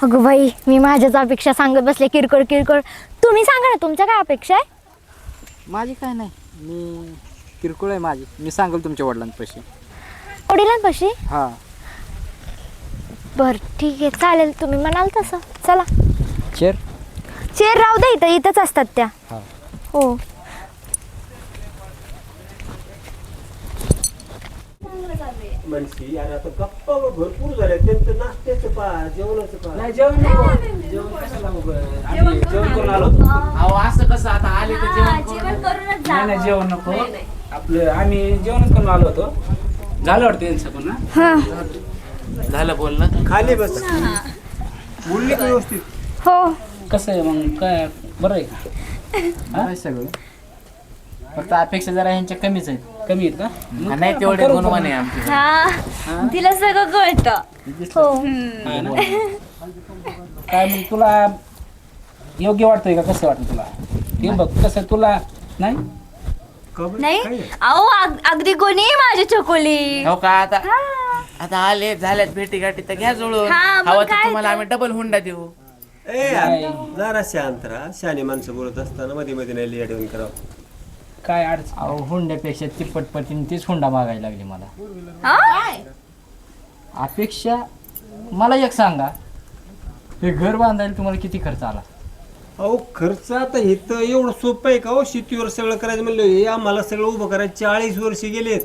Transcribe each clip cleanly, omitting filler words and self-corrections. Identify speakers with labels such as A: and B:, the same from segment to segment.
A: अगं बाई, मी माझ्याच अपेक्षा सांगत बसले, किरकोळ किरकोळ. तुम्ही सांगा ना, तुमच्या काय अपेक्षा आहे?
B: माझी काय नाही, मी किरकोळ आहे माझी. मी सांगेल तुमच्या वडिलांपाशी.
A: वडिलांपाशी?
B: हां
A: बरं ठीक आहे, चालेल, तुम्ही म्हणाल तसं. चला.
B: चेर
A: चेअर राहू दे, इथंच असतात त्या.
B: हां
A: हो.
C: म्हणशी आणि आता गप्पा भरपूर झाल्या. त्यांचं नाश्त्याचं पा, जेवणाचं पा.
D: नाही जेवण जेवण कशाला आम्ही जेवण करून आलो.
B: अहो असं कसं आता आले तर
E: जेवण करूनच जा.
D: नाही नाही जेवण नको. आपलं आम्ही जेवणच करून आलो होतो. झालं वाटतं यांचं पण ना.
A: हां.
B: झालं बोलणं.
C: खाली बस. बोलली का व्यवस्थित?
A: हो.
D: कसं आहे मग काय बरं आहे का?
B: आहे सगळं, फक्त अपेक्षा जरा ह्यांच्या कमीच आहेत.
D: कमी आहेत का? मग
B: नाही
D: काय
B: तेवढे
D: करू
B: गुणवान आहे
D: पण.
B: आमचे.
E: हा तिला सगळं कळतं.
A: हो.
D: हा ना? काय मग तुला योग्य वाटतंय का? कसं वाटतं तुला? हे बघ कसं तुला नाही
E: नाही अहो अगदी कोणी माझी चकोली.
B: हो का आता आता आले झाल्यात भेटी गाठी तर घ्या जुळून.
E: हा, मग
B: हवं तर
E: काय
B: तुम्हाला
E: तर.
B: आम्ही डबल हुंडा देऊ.
C: ए यार, जरा शांत राहा. शहाणी माणसं बोलत असताना मध्ये मध्ये नाही लिया ठेवून करावं.
D: काय अडचण?
B: अहो हुंड्यापेक्षा तिप्पटपटीने तीच हुंडा मागायला लागली मला.
E: हा?
B: अपेक्षा मला एक सांगा, हे घर बांधायला तुम्हाला किती खर्च आला?
C: अहो खर्च आता हे तर एवढं सोपं आहे का? हो शेतीवर सगळं करायचं म्हणलं, हे आम्हाला सगळं उभं करायचं 40 वर्ष गेलेत.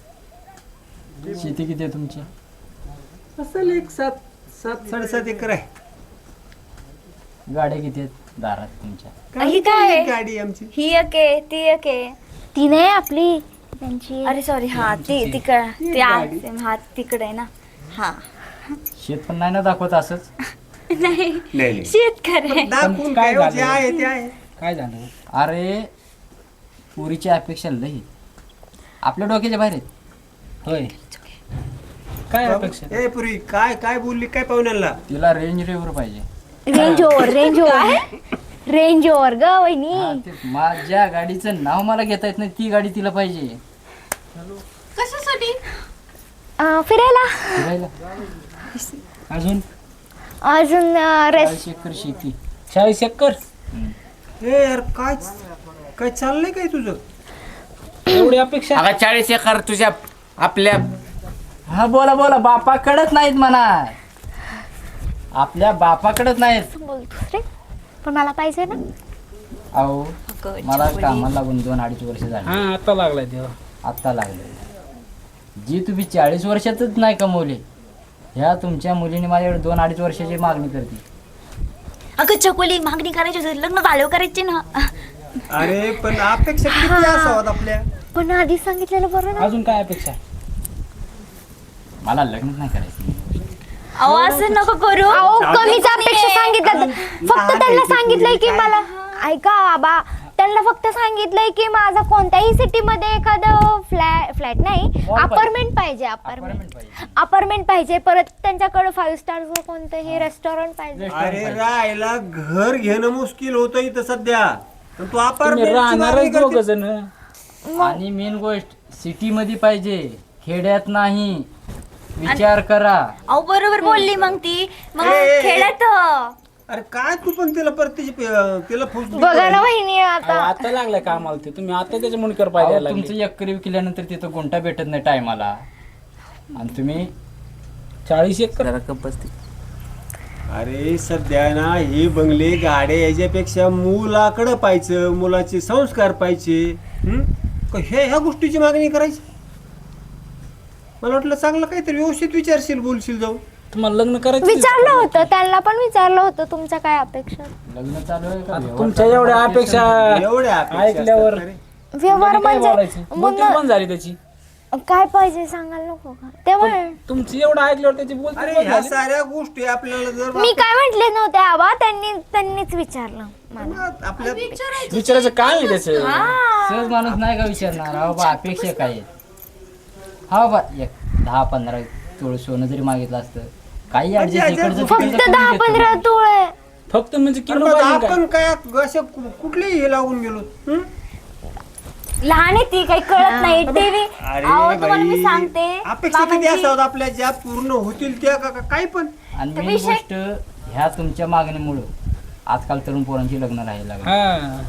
B: शेती किती आहे तुमची?
C: असेल एक 7-7.5 एकर आहे.
B: गाड्या किती आहेत दारात तुमच्या?
E: ही काय आहे?
C: गाडी आमची.
E: ही एक आहे ती एक आहे.
A: ती नाही आपली, त्यांची.
E: अरे सॉरी हा ती तिकडे हा तिकडे आहे ना. हा
B: शेत पण नाही ना दाखवत असंच.
E: नाही
C: नाही
E: शेतकरी.
C: दाखवून
D: काय
C: काय हो, जे
D: झालं?
C: आहे ते आहे.
D: काय झालं?
B: अरे पुरीची अपेक्षा लई आपल्या डोक्याच्या बाहेर आहेत.
D: होय काय अपेक्षा?
C: ए पुरी काय काय बोलली काय पाहुण्याला?
B: तिला रेंज रेवर पाहिजे.
A: Range Rover, Range Rover, Range Rover ग वहिनी.
B: हा, ते माझ्या गाडीचं नाव मला घेता येत नाही, ती गाडी तिला पाहिजे.
E: कशासाठी?
A: फिरायला.
B: फिरायला
D: अजून
A: अजून
B: 40 एकर शेती.
D: 40 एकर
C: ए यार काय काय चाललंय काय तुझं?
D: एवढी अपेक्षा?
B: अगं 40 एकर तुझ्या आपल्या. हा बोला बोला, बापाकडच नाहीत म्हणा, आपल्या बापाकडच नाहीत.
A: बोलतोस रे, पण मला पाहिजे ना.
B: अहो मला कामाला लागून 2-2.5 वर्ष झाली.
D: हा आता लागलाय तेव्हा.
B: आत्ता लागले. जी तुम्ही 40 वर्षातच नाही कमवले, ह्या तुमच्या मुलीने माझ्याकडे 2-2.5 वर्षाची मागणी करते.
E: अगं चकोली मागणी करायची होती, लग्न झाल्यावर करायची ना.
C: अरे पण अपेक्षा किती असाव्यात आपल्या?
A: पण आधी सांगितलेलं बरं ना.
D: अजून काय अपेक्षा?
B: मला लग्नच नाही करायचं.
E: अहो असं नको करू.
A: अहो कमीच अपेक्षा सांगितलं. फक्त त्यांना सांगितलंय की मला, ऐका बाबा, त्यांना फक्त सांगितलंय की माझा कोणत्याही सिटीमध्ये एखादं फ्लॅट नाही, अपार्टमेंट पाहिजे. अपार्टमेंट पाहिजे. परत त्यांच्याकडे 5 स्टार कोणतंही रेस्टॉरंट पाहिजे.
C: अरे राहायला घर घेणं मुश्किल होतं इथं सध्या. पण तू
D: तुम्ही राहणारच दोघ
C: अपार्टमेंट
D: जण.
B: आणि मेन गोष्ट सिटी मध्ये पाहिजे, खेड्यात नाही. विचार करा.
E: अहो बरोबर बोलली मग ती. मग
C: ए.
E: खेळत.
C: अरे काय तू पण तिला परतीची तिला
A: बघा ना वहिनी आता.
D: आता लागलाय कामाला ते. तुम्ही आता त्याच्या मुनकर
B: अहो,
D: पाहिजे
B: तुमचं एकरी विकल्यानंतर तिथं गुंठा भेटत नाही टायमाला, आणि तुम्ही
D: 40 एकर.
B: जरा कप बसते.
C: अरे सध्या ना हे बंगले गाड्या याच्यापेक्षा मुलाकडं पाहिजे, मुलाचे संस्कार पाहिजे. ह्या गोष्टीची मागणी करायची. मला वाटलं चांगलं काहीतरी व्यवस्थित विचारशील, बोलशील जाऊ.
D: तुम्हाला लग्न करायचं?
A: विचारलं होतं त्यांना, पण विचारलं होतं तुमच्या काय अपेक्षा.
B: लग्न चालू आहे का?
D: आता तुमच्या एवढ्या अपेक्षा
C: एवढ्या अपेक्षा
D: ऐकल्यावर
C: असतात का रे?
A: व्यवहार
D: काय बोलायचं?
A: म्हणजे
D: बोलती बंद झाली त्याची.
A: काय पाहिजे सांगायला नको का तेव्हा.
D: तुमची एवढं ऐकल्यावर त्याची बोलती
C: अरे
D: बंद
C: ह्या
D: झाली.
C: साऱ्या गोष्टी आपल्याला जर
A: मी काय म्हंटले नव्हते आबा, त्यांनीच विचारलं मला.
C: आपल्या
D: विचारायचं काय आहे त्याचं?
B: सहज माणूस नाही का विचारणार, हा बाबा अपेक्षा काय आहेत? हा बाबा एक 10-15 तोळ सोनं जरी मागितलं असतं, काही ऍडजस्ट इकडचं
A: फक्त
B: तिकडचं
A: 10-15 तोळे.
D: फक्त म्हणजे किलो
C: अरे
D: पाहिजे काय?
C: आपण काय असं कुठलेही हे लागून गेलो.
E: लहान आहे ती, काही कळत नाही. टीव्ही
C: अरे
E: अहो तुम्हाला मी
C: बाई,
E: सांगते
C: अपेक्षा किती
E: मामांची-
C: असावं आपल्या, ज्या पूर्ण होतील त्या काही पण.
B: आणि मेन गोष्ट ह्या तुमच्या मागणीमुळं आजकाल तरुण पोरांची लग्न राहायला लागली.
D: हा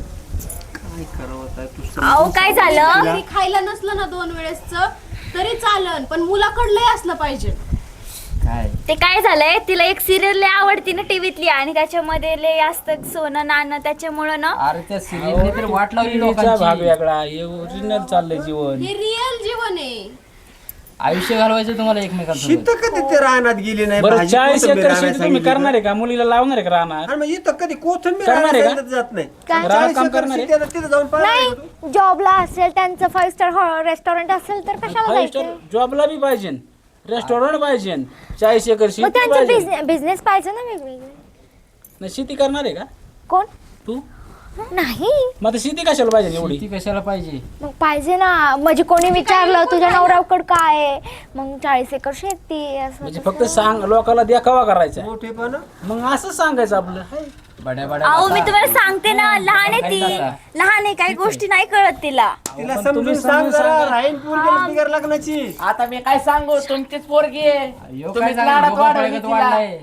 C: काय करावं आता तू
E: अहो काय झालं
F: घरी खायला नसलं ना 2 वेळेसच तरी चालन, पण मुलाकडलंही असलं पाहिजे.
B: काय
E: ते काय झालंय, तिला एक सिरियल लय आवडती ना टीव्हीतली, आणि त्याच्यामध्ये लय असतं सोनं नाणं, त्याच्यामुळं ना
B: अरे त्या सिरियलने तर वाट लावली
D: भाग
B: लोकांची.
D: वेगळा हे ओरिजिनल चाललंय जीवन.
F: हे रिअल जीवन आहे.
B: आयुष्य घालवायचं तुम्हाला एकमेकांसोबत.
C: शीत कधी ते रानात गेली नाही
D: बरं
C: भाजी
D: 40
C: कोथिंबीर
D: एकर
C: आणायला
D: शेती तुम्ही
C: सांगितली
D: करणार आहे का? मुलीला लावणार आहे का राहणार?
C: आणि मग इथं कधी कोथिंबीर
D: करणार आहे
C: आणायला
D: का?
C: सांगितलं जात नाही.
A: काय?
C: 40
D: काम
C: एकर
D: करणार आहे?
C: शेती आहे, तिथं जाऊन पाहायला
A: नाही
C: लागतो.
A: जॉबला असेल त्यांचं 5 स्टार रेस्टॉरंट असेल तर कशाला जायचं.
D: जॉबला बी पाहिजे, रेस्टॉरंट पाहिजे, 40 एकर
A: मग
D: शेती
A: त्यांचं
D: पाहिजे.
A: बिझनेस पाहिजे ना वेगवेगळे.
D: नाही, शेती करणार आहे का
A: कोण
D: तू?
A: नाही
D: मग आता शेती कशाला पाहिजे एवढी?
B: ती कशाला पाहिजे?
A: मग पाहिजे ना. म्हणजे कोणी विचारलं तुझ्या नवऱ्याकडं काय आहे, मग 40 एकर शेती असं
D: म्हणजे
A: तसं.
D: फक्त सांग, लोकांना देखावा करायचा.
C: मोठेपणा
D: मग असं सांगायचं आपलं.
B: बड्या बड्या
E: अहो मी
B: बाता.
E: तुम्हाला सांगते ना, लहान आहे ती, लहान आहे, काही गोष्टी नाही कळत तिला.
C: तिला
D: पण
C: समजून
D: तुम्ही
C: सांग
D: समजून
C: जरा
D: सांगा.
C: राहीन पोरगी बिगर लग्नाची.
G: आता मी काय सांगू, तुमचीच पोरगी आहे.
B: ह्यो काय
G: तुम्हीच
B: सांगू,
G: लाडात
B: बाबा
G: वाढवली
B: प्रगत
G: तिला.
B: वाढलाय.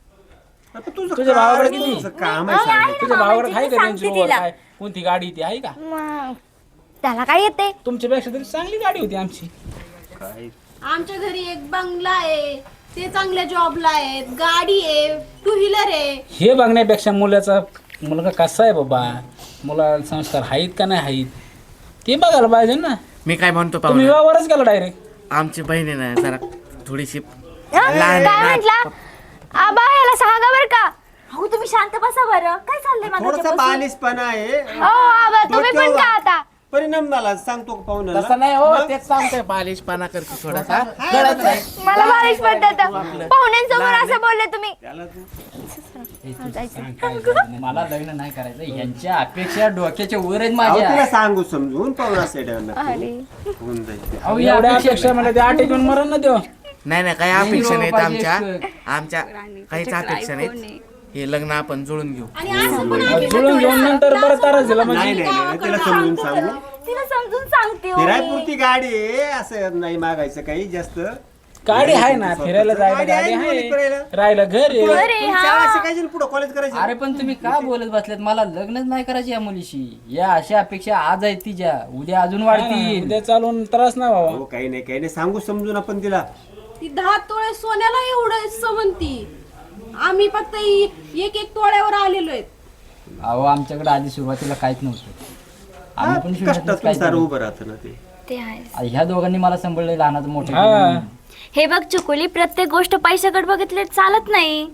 C: आता तुझं
D: तुझ्या
C: काय
D: भावाकडे
C: रे,
D: किती?
C: तुझं काम आहे सांगायचं.
D: तुझ्या भावाकडे आहे का
E: सांगते
D: त्यांची ओळख
E: तिला.
D: काय? कोणती गाडी ती आहे का?
A: मग त्याला काय येते.
D: तुमच्यापेक्षा तरी चांगली गाडी होती आमची.
C: काय
F: आमच्या घरी एक बंगला आहे, ते चांगल्या जॉबला आहेत, गाडी आहे, 2 व्हीलर आहे.
D: हे बघण्यापेक्षा मुलगा कसा आहे बाबा, मुलाला संस्कार आहेत का नाही आहेत ते बघायला पाहिजे ना.
G: मी काय म्हणतो
D: तुम्ही
G: पाहुणे,
D: व्यवहारच केला डायरेक्ट.
G: आमची बहीण आहे ना जरा थोडीशी
A: काय
G: लहान आहे ना.
A: म्हंटला आबा याला सांगा बर का.
E: अहो तुम्ही शांत बसा बरं, काय चाललंय
C: थोडासा
E: माझ्यापासून?
C: बालिशपणा आहे.
A: हो आबा तुम्ही पण का आता.
C: परिणाम झाला सांगतो का पाहुण्याला?
G: तसं नाही हो, तेच सांगतोय बालिशपणा करते थोडासा, कळत नाही.
A: मला बारिश पडतात पाहुण्यांसमोर असं बोलले तुम्ही.
C: त्याला तू
B: हे तू सांग काय झालं. मला लग्न नाही करायचं. यांच्या अपेक्षा डोक्याच्या वर आहेत
C: अहो, तिला
B: माझ्या.
C: सांगू समजून पाहुणा सेट
A: अरे
C: होऊन जाईल.
B: अहो, या
D: एवढ्या
B: अपेक्षा
D: अपेक्षा मला ते आठ घेऊन मरण ना देऊ.
G: नाही नाही, काही
B: नाही
G: अपेक्षा
B: हो,
G: नाहीत
B: पाहिजे
G: आमच्या काहीच अपेक्षा नाहीत. हे लग्न आपण जुळून घेऊ.
F: आणि असं पण आहे
D: जुळून घेऊन नंतर बरं तारच दिला
C: नाही
D: म्हणजे.
C: नाही नाही, तिला समजून सांगू.
E: तिला समजून सांगते हो
C: फिरायपुरती
E: मी.
C: गाडी आहे, असं नाही मागायचं काही जास्त.
D: गाडी आहे ना, फिरायला जायला
C: गाडी
D: गाडी
C: आहे,
D: आहे,
C: फिरायला.
D: राहायला घर आहे.
E: अरे हा,
C: शिकायची पुढे कॉलेज करायचं.
B: अरे पण तुम्ही का बोलत बसलेत? मला लग्नच नाही करायचं या मुलीशी. या अशा अपेक्षा आज आहेत तिच्या, उद्या अजून वाढतील.
D: उद्या चालून त्रास ना बाबा.
C: हो काही नाही सांगू समजून आपण तिला.
F: ती 10 तोळे सोन्याला एवढं समजती. आम्ही फक्त 1 तोळ्यावर आलेलो आहेत.
B: अहो आमच्याकडे आधी सुरुवातीला काहीच नव्हतं. आम्ही पण शून्यातूनच
C: कष्टातून
B: काय
C: सारं
B: केलं.
C: उभं राहतं ना ते.
E: ते आहे.
B: ह्या दोघांनी मला सांभाळलं, लहानाचं मोठं
D: हा.
B: केलं.
E: हे बघ चुकुली, प्रत्येक गोष्ट पैशाकडे बघितले चालत नाही.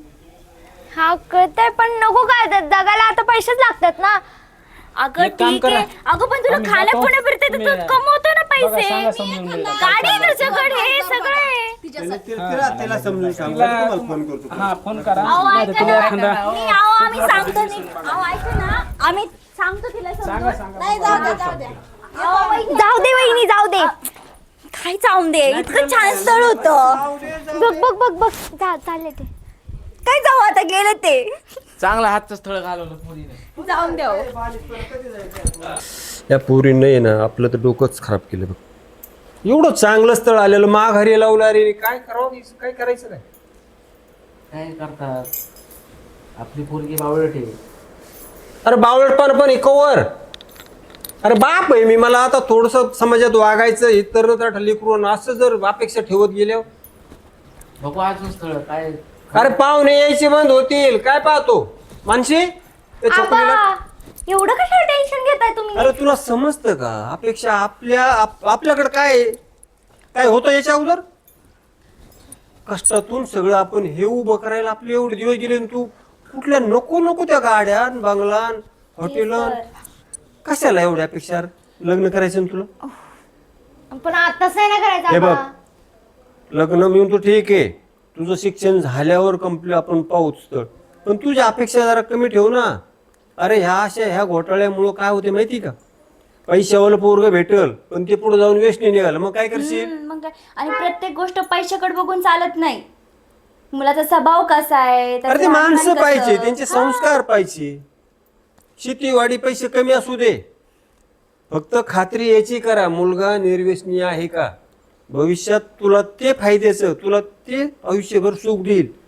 A: हा कळतंय पण नको काय जगाला आता पैसेच लागतात ना.
E: अगं
D: एक काम
E: ठीक
D: करा.
E: आहे, अगं पण तुला
D: आम्ही
E: खाण्या
D: जातो.
E: पिण्यापुरते तर तू
D: तुम्ही-
E: कमवतो ना
D: बघा, सांगा
E: पैसे.
D: समजून मुलीला.
E: गाडी आहे तुझ्याकडे, हे सगळं आहे.
C: तिला समजून सांगू.
D: तिला-
C: तुम्हाला फोन करतो.
D: हा फोन करा.
E: अहो
D: नाही तर
E: ऐका
D: तुला
E: ना,
D: एखादा
E: मी अहो आम्ही सांगतो नाही. अहो ऐका ना, आम्ही सांगतो तिला समजून. नाही जाऊ द्या, जाऊ द्या. अहो, वहिनी,
A: जाऊ दे वहिनी जाऊ दे.
E: काय जाऊन दे, इतकं छान स्थळ होतं.
A: बघ बघ बघ बघ चालले ते.
E: काय जाऊ आता, गेलं ते.
G: चांगलं हातचं स्थळ घालवलं मुलीने.
F: जाऊन द्या हो.
C: या पोरीनं ना आपलं तर डोकंच खराब केलं बघ. एवढं चांगलं स्थळ आलेलं माघारी लावलं. अरे काय करावं, काय करायचं काय?
G: काय करतात, आपली पोरगी बावळट आहे.
C: अरे बावळटपण पण कवर. अरे बाप आहे मी, मला आता थोडस समाजात वागायचं हे तर लेकरून असं जर अपेक्षा ठेवत गेल्यावर.
G: बघू अजून स्थळ काय.
C: अरे पाहुणे यायचे बंद होतील. काय पाहतो मानशी त्या चकुलीला?
A: आबा एवढं कशाला टेन्शन घेताय तुम्ही.
C: अरे तुला समजतं का अपेक्षा आपल्याकडे काय होतं याच्या अगोदर? कष्टातून सगळं आपण हे उभं करायला आपले एवढे दिवस गेले आणि तू कुठल्या नको त्या गाड्या बंगला हॉटेल कशाला एवढ्या अपेक्षा लग्न करायचं ना तुला?
A: पण आताच नाही ना करायचं
C: हे बघ
A: आबा.
C: लग्न मिळून तो ठीक आहे, तुझं शिक्षण झाल्यावर कंप्लीट आपण पाहूच तर, पण तुझ्या अपेक्षा जरा कमी ठेव ना. अरे ह्या घोटाळ्यामुळं काय होते माहिती का? पैशावाला पोरग भेटल पण ते पुढे जाऊन वेस्ट निघालं, मग काय करशील?
E: मग काय, आणि प्रत्येक गोष्ट पैशाकडे बघून चालत नाही. मुलाचा स्वभाव कसा आहे,
C: अरे ते
E: त्याचं
C: माणसं
E: वागणं
C: पाहिजे,
E: कसं.
C: त्यांचे संस्कार पाहिजे. शेतीवाडी पैसे कमी असू दे, फक्त खात्री याची करा मुलगा निर्व्यसनी आहे का. भविष्यात तुला ते फायद्याचं, तुला ते आयुष्यभर सुख देईल.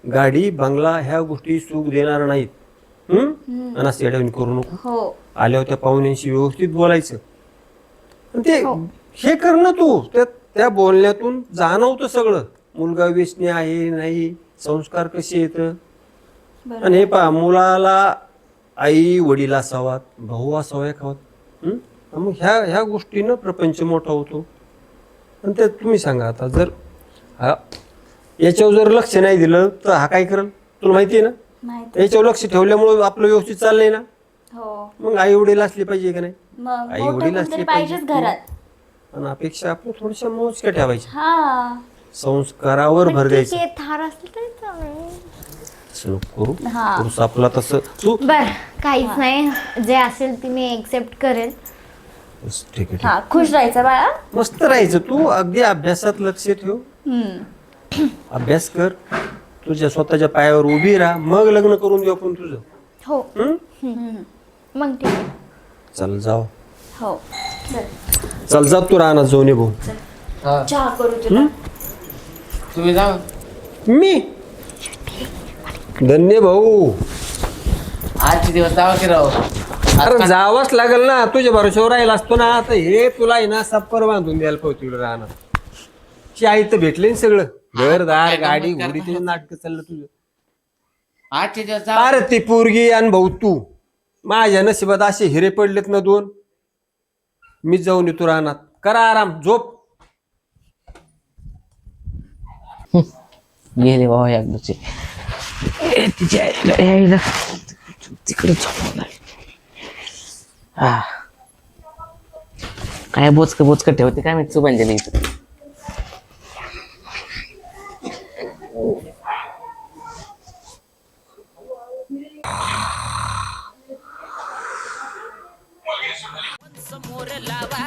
C: गाडी बंगला ह्या गोष्टी सुख देणार नाहीत. आणि असं येड्यावानी करू नको.
E: हो
C: आल्यावर त्या पाहुण्यांशी व्यवस्थित बोलायचं. आणि ते हे कर ना तू, त्या बोलण्यातून जाणवतं सगळं. मुलगा व्यसनी आहे नाही, संस्कार कसे येत. आणि हे पहा, मुलाला आई वडील असावात, भाऊ असावा एखावात. मग ह्या गोष्टीनं प्रपंच मोठा होतो. आणि ते तुम्ही सांगा आता, जर याच्यावर जर लक्ष नाही दिलं तर हा काय करेल तुला माहिती आहे ना.
E: माहिती.
C: याच्यावर लक्ष ठेवल्यामुळे आपलं व्यवस्थित चाललंय ना.
E: हो
C: मग आई वडील असले पाहिजे का नाही.
E: मग
C: आई
E: मोठं
C: वडील
E: कोणतरी
C: असले
E: पाहिजेच घरात.
C: आणि अपेक्षा आपण थोड्याशा मोजक्या ठेवायच्या.
E: हा
C: संस्कारावर भर द्यायचं.
A: ठीक आहे, थार असलं तरी चालेल.
C: तसं नको करू.
E: हा.
C: पुरुष आपला तसं तू
A: बर काहीच नाही, जे असेल ते मी एक्सेप्ट करेल.
C: बस, ठीक आहे, ठीक
E: हा खुश राहायचं बाळा.
C: आहे. मस्त राहायचं. तू अगदी अभ्यासात लक्ष ठेव. अभ्यास कर, तुझ्या स्वतःच्या पायावर उभी राहा, मग लग्न करून देऊ आपण तुझं.
A: हो मग ठीक आहे.
C: चल जाऊ.
E: हो
C: चल जा तू राहणार जाऊन ये भाऊ.
E: चहा करू तुला.
B: तुम्ही जा.
C: मी धन्य भाऊ.
B: आजचे दिवस जावा की राव.
C: अरे जावंच लागेल ना, तुझ्या भरोश्यावर राहिला असतो ना. आता हे तुला आहे ना सप्पर बांधून द्यायला पाहिजे तुला राहणार. आई तर भेटले ना सगळं, घरदार गाडी घोडी, ते नाटक चाललं तुझं.
B: आजचे दिवस जा.
C: अरे ती पोरगी आणि भाऊ तू, माझ्या नशिबात असे हिरे पडलेत ना 2. मी जाऊन येतो राहणार. करा आराम, झोप.
G: गेले बाबा एकदाचे तिच्या तिकडे झोपवणार. हा काय बोचक ठेवते काय माहिती सुभांजली इथं.
H: समोर लावा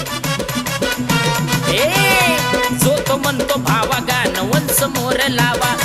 H: जो तो म्हणतो भावा गाणं समोर लावा.